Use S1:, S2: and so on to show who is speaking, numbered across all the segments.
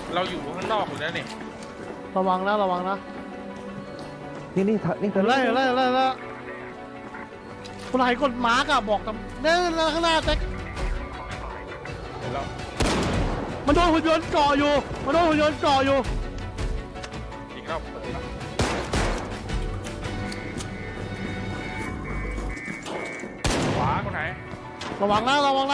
S1: เราอยู่ข้างนอกอยู่แล้วนี่
S2: ระวังนะระวังนะ
S3: นี่เธอ
S2: ไล่คนไหนกดมาร์กอะบอกตำเนี่ยข้างหน้าแจ็ค
S1: เดี๋ยวเรา
S2: มันโดนหุ่นยนต์เกาะอยู่
S1: อีกรอบเปิดแล้วขวาคนไหน
S2: ระวังนะ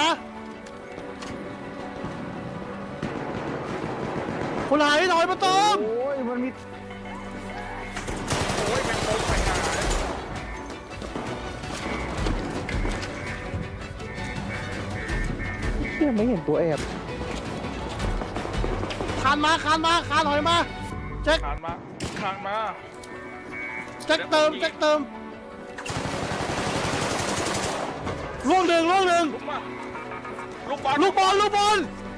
S2: คนไหนถอยมาเติม
S3: โอ้ยมันมี
S1: โอ้ยเป็นโค้งไปหาเลย
S3: เชี่ยไม่เห็นตัวแอบ
S2: คานถอยมาแจ็ค
S1: คานมา
S2: แจ็คเติมล่วงหนึ่ง
S1: ลุกมาลูกบอล
S2: ลูกบอล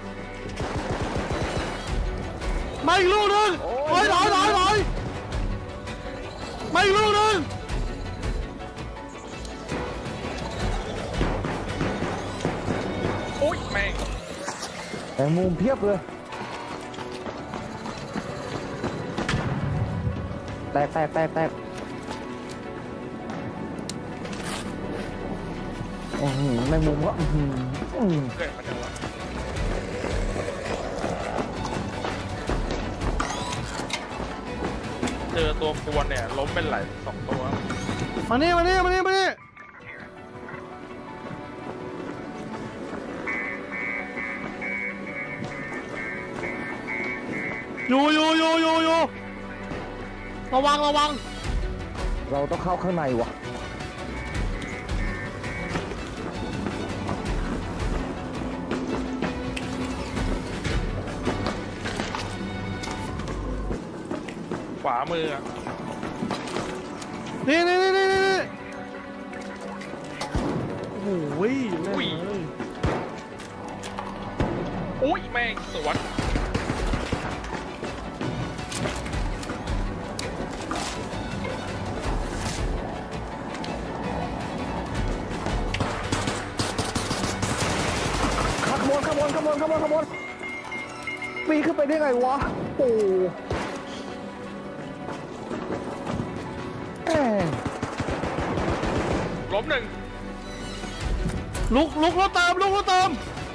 S2: มาอีกลูกหนึ่งถอยมาอีกลูกหนึ่ง
S1: โอ้ยแม่ง
S3: แมงมุมเพียบเลยแตกแมงมุมก็
S1: เกิดมาจากวะเจอตัวกวนเนี่ยล้มเป็นหลาย2 ตัว
S2: มานี่อยู่ระวัง
S3: เราต้องเข้าข้างในว่ะ
S1: ขวามืออะ
S2: นี่โอ้ยแม่งเลย
S1: อุ้ยแม่งสวน
S3: ขบวนปีนขึ้นไปได้ไงวะโอ้แหม
S1: ล้มหนึ่ง
S2: ลุกแล้วเติม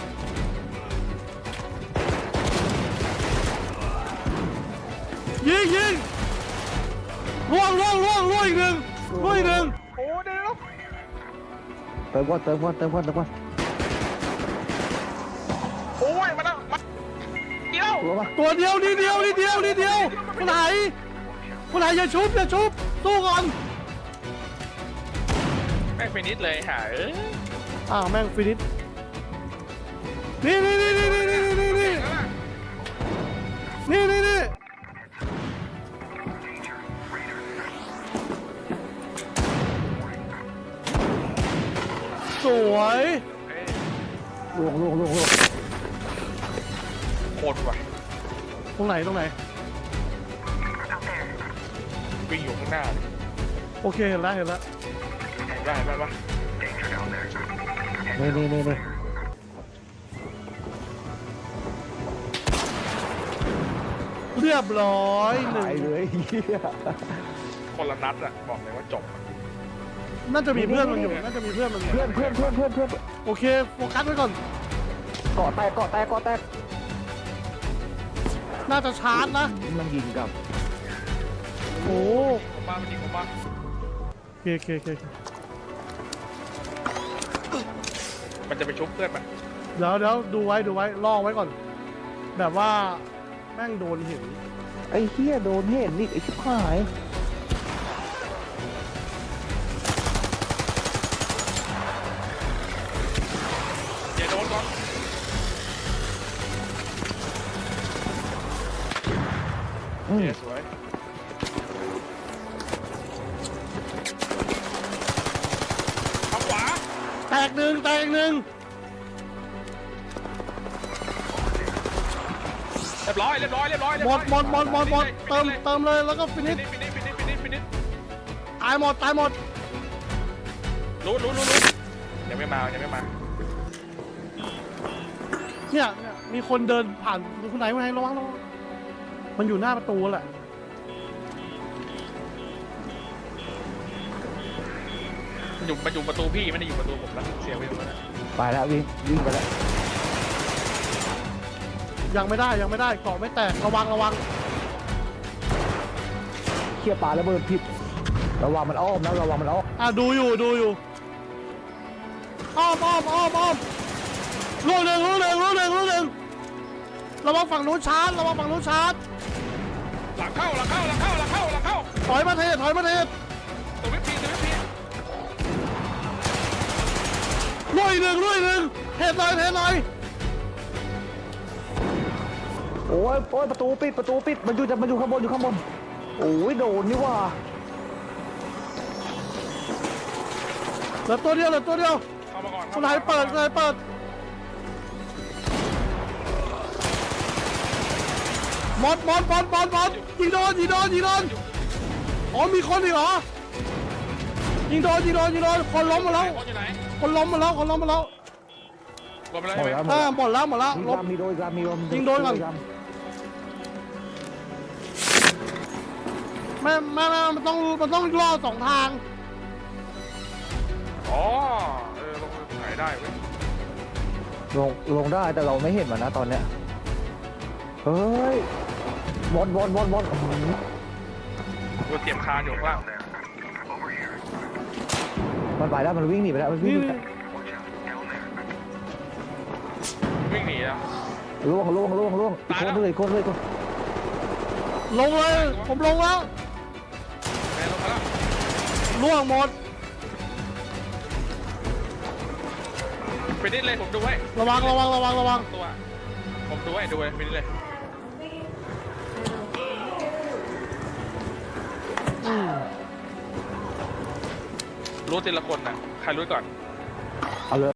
S2: ยิงล่วงอีกหนึ่ง
S1: โอ้เดี๋ยว
S3: เติมก่อน
S1: โอ้ยมาแล้วมาเดียว
S3: รู้ปะ
S2: ตัวเดียวนิดเดียวคนไหนอย่าชุบสู้ก่อน
S1: แม่งไปนิดเลยหา
S2: แม่งฟินิชนี่สวย
S3: ล่วง
S1: โคตรว่ะ
S2: ตรงไหน
S1: วิ่งอยู่ข้างหน้าเลย
S2: โอเคเห็นแล้ว
S1: ได้ปะ
S3: นี่
S2: เรียบร้อยหนึ่ง
S3: หายเลยเฮีย
S1: คนละนัดอะบอกเลยว่าจบ
S2: น่าจะมีเพื่อนมันอยู่
S3: เพื่อน
S2: โอเคโฟกัสไว้ก่อน
S3: เกาะแตก
S2: น่าจะชาร์จนะ
S3: มันยิงกับ
S2: โอ้
S1: ผมมาจริงผมมา
S2: โอเค
S1: มันจะไปชุบเพื่อนมัน
S2: เดี๋ยวดูไว้ล่อไว้ก่อน แบบว่าแม่งโดนเห็น
S3: ไอ้เฮียโดนเห็นนี่ไอ้ชิบหาย
S1: อย่าโดนก่อนสวยทางขวา
S2: แตกหนึ่ง
S1: เรียบร้อย
S2: หมดเติมเลยแล้วก็ฟินิช
S1: ฟินิช
S2: ตายหมด
S1: รู้ยังไม่มา
S2: เนี่ยมีคนเดินผ่านคนไหนระวังมันอยู่หน้าประตูแหละ
S1: มันอยู่ประตูพี่ไม่ได้อยู่ประตูผมแล้วเสียไปหมดแล้ว
S3: ไปแล้ววิ่งไปแล้ว
S2: ยังไม่ได้เกาะไม่แตกระวัง
S3: เขี่ยปลาระเบิดผิดระวังมันอ้อมนะระวังมันอ้อม
S2: ดูอยู่อ้อมลูกหนึ่งระวังฝั่งนู้นชาร์จ
S1: หลังเข้า
S2: ถอยมาเทศ
S1: ตัวไม่พี
S2: ลุยหนึ่งเทศหน่อย
S3: โอ้ยประตูปิดมันอยู่ข้างบนโอ้ยโดนนี่ว่า
S2: เหลือตัวเดียว
S1: เข้ามาก่อน
S2: คุณไหนเปิดหมดยิงโดนอ๋อมีคนอีกเหรอยิงโดนคนล้มมาแล้ว
S1: คนอยู่ไหน
S2: คนล้มมาแล้ว
S1: รวมไปแล้ว
S3: หมด
S1: ใช่ไหม
S3: แล้ว
S2: หมดแล้ว
S3: มีโดนยิง
S2: แม่มันต้องล่อ2 ทาง
S1: อ๋อลงไหนได้เว้ย
S3: ลงได้แต่เราไม่เห็นมันนะตอนเนี้ยเฮ้ยบอล
S1: กูเตรียมคานอยู่ข้างล่าง
S3: มันไปแล้วมันวิ่งหนีไปแล้วมันวิ่ง
S1: วิ่งหนีอ่ะ
S3: ล่วงอีกคนเลย
S2: ลงเลยผมลงแล้ว
S1: แม่ลงมาแล้ว
S2: ล่วงหมด
S1: ไปนิดเลยผมดูไว้
S2: ระวัง
S1: ตัวผมดูไว้ไปนิดเลยรู้ทีละคนนะใครรู้ก่อน
S3: เอาเลย